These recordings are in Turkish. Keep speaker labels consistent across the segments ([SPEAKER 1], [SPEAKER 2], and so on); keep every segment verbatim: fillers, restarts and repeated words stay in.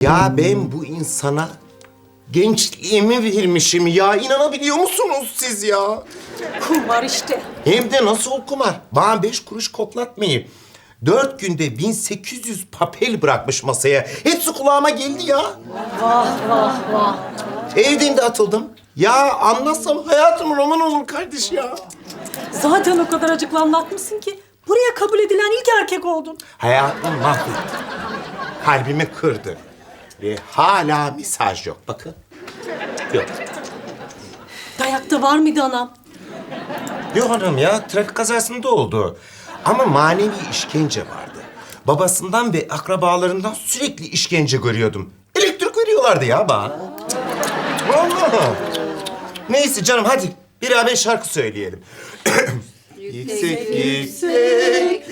[SPEAKER 1] Ya ben bu insana gençliğimi vermişim ya. İnanabiliyor musunuz siz ya?
[SPEAKER 2] Kumar işte.
[SPEAKER 1] Hem de nasıl kumar? Bana beş kuruş koklatmayın. Dört günde bin sekiz yüz papel bırakmış masaya. Hepsi kulağıma geldi ya.
[SPEAKER 2] Vah vah vah.
[SPEAKER 1] Evden de atıldım. Ya anlatsam hayatım roman olur kardeş ya.
[SPEAKER 2] Zaten o kadar acıklı anlatmışsın ki buraya kabul edilen ilk erkek oldun.
[SPEAKER 1] Hayatımı mahvetti. Kalbimi kırdı. Ve hala mesaj yok. Bakın. Yok.
[SPEAKER 2] Dayakta var mıydı anam?
[SPEAKER 1] Yok hanım ya. Trafik kazasında oldu. Ama manevi işkence vardı. Babasından ve akrabalarından sürekli işkence görüyordum. Elektrik veriyorlardı ya bana. Vallahi. Neyse canım hadi. Beraber şarkı söyleyelim. Yüksek yüksek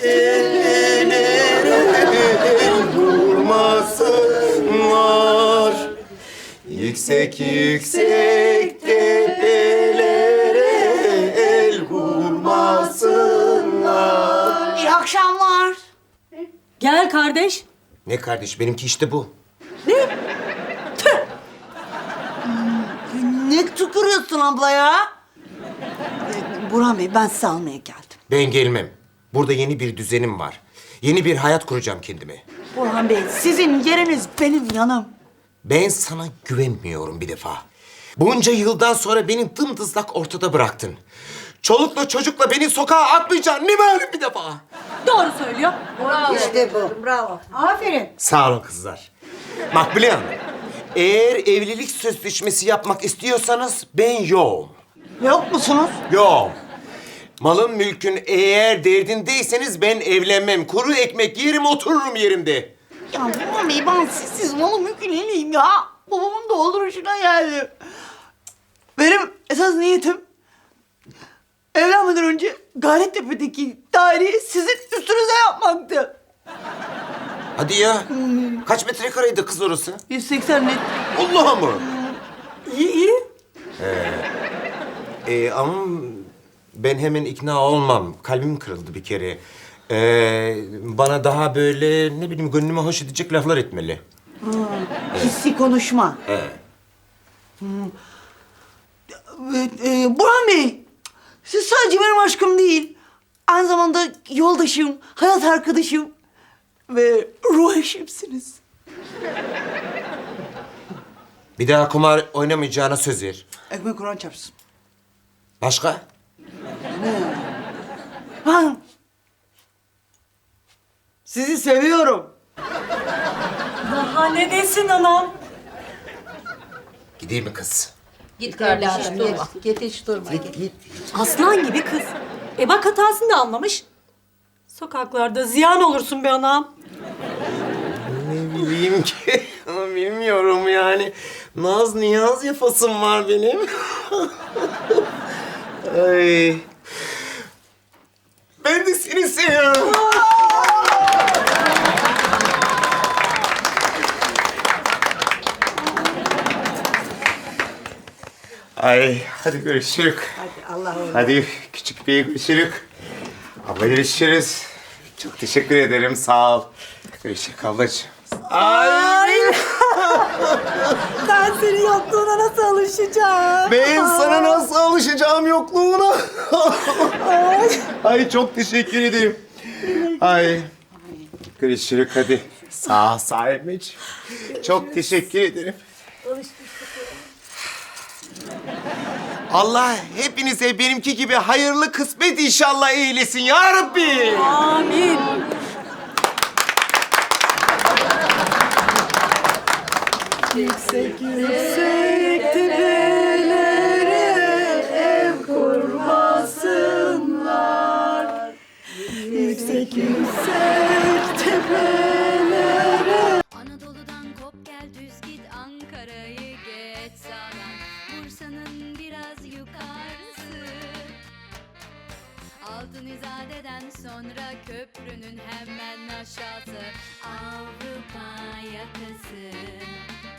[SPEAKER 1] ellere vurmasınlar. Yüksek yüksek tepelere el vurmasınlar.
[SPEAKER 3] İyi akşamlar.
[SPEAKER 2] Gel kardeş.
[SPEAKER 1] Ne kardeş benimki işte bu.
[SPEAKER 3] Ne tükürüyorsun abla ya? Ee, Burhan Bey, ben sizi almaya geldim.
[SPEAKER 1] Ben gelmem. Burada yeni bir düzenim var. Yeni bir hayat kuracağım kendime.
[SPEAKER 3] Burhan Bey, sizin yeriniz benim yanım.
[SPEAKER 1] Ben sana güvenmiyorum bir defa. Bunca yıldan sonra beni dımdızlak ortada bıraktın. Çolukla çocukla beni sokağa atmayacaksın. Ne malum bir defa.
[SPEAKER 2] Doğru söylüyor.
[SPEAKER 3] İşte bu. Bravo. Aferin.
[SPEAKER 1] Sağ olun kızlar. Makbule Hanım, eğer evlilik sözleşmesi yapmak istiyorsanız ben yoğum.
[SPEAKER 3] Yok musunuz?
[SPEAKER 1] Yoğum. Malın mülkün eğer derdindeyseniz ben evlenmem. Kuru ekmek yerim otururum yerimde.
[SPEAKER 3] Ya Burhan Bey, ben sizsiz malı mümkün değilim ya. Babamın dolduruşuna geldi. Benim esas niyetim evlenmeden önce Gayrettepe'deki daireyi sizin üstünüze yapmaktı.
[SPEAKER 1] Hadi ya. Kaç metrekareydi kız orası?
[SPEAKER 3] yüz seksen net.
[SPEAKER 1] Allah'a mı?
[SPEAKER 2] İyi iyi.
[SPEAKER 1] Ee, ama ben hemen ikna olmam. Kalbim kırıldı bir kere. Ee, bana daha böyle ne bileyim gönlüme hoş edecek laflar etmeli.
[SPEAKER 3] Hissi konuşma.
[SPEAKER 1] Evet.
[SPEAKER 3] Evet, e, Burhan Bey, siz sadece benim aşkım değil, aynı zamanda yoldaşım, hayat arkadaşım ve ruh eşimsiniz.
[SPEAKER 1] Bir daha kumar oynamayacağına söz ver.
[SPEAKER 3] Ekmek Kur'an çarpsın.
[SPEAKER 1] Başka?
[SPEAKER 3] Ha. Sizi seviyorum.
[SPEAKER 2] Daha ne desin anam?
[SPEAKER 1] Gideyim mi kız?
[SPEAKER 4] Git kardeş hiç durma. Git hiç durma. Git.
[SPEAKER 2] Aslan gibi kız. E bak hatasını da anlamış. Sokaklarda ziyan olursun be anam.
[SPEAKER 1] Ne bileyim ki. Bilmiyorum yani. Naz niyaz yapasım var benim. Ay. Ben de seni seviyorum. Ay, hadi görüşürük.
[SPEAKER 3] Hadi Allah razı olsun.
[SPEAKER 1] Hadi küçük bey görüşürük. Abla görüşürüz. Çok teşekkür ederim, sağ ol. Görüşürük ablacığım. Ay.
[SPEAKER 2] Ben senin yokluğuna nasıl alışacağım?
[SPEAKER 1] Ben sana nasıl alışacağım yokluğuna? Ay. Ay çok teşekkür ederim. Ay. Görüşürük hadi. Sağ ol sahibeciğim. Çok teşekkür ederim. Allah hepinize benimki gibi hayırlı kısmet inşallah eylesin ya Rabbi.
[SPEAKER 2] Amin. Yüksek yüksek tepelere ev kurmasınlar. Yüksek yüksek tepelere.
[SPEAKER 5] Anadolu'dan kop gel düz git Ankara'yı geç sağdan Bursa'nın biraz yukarısı Altın İzade'den sonra köprünün hemen aşağısı Avrupa yakası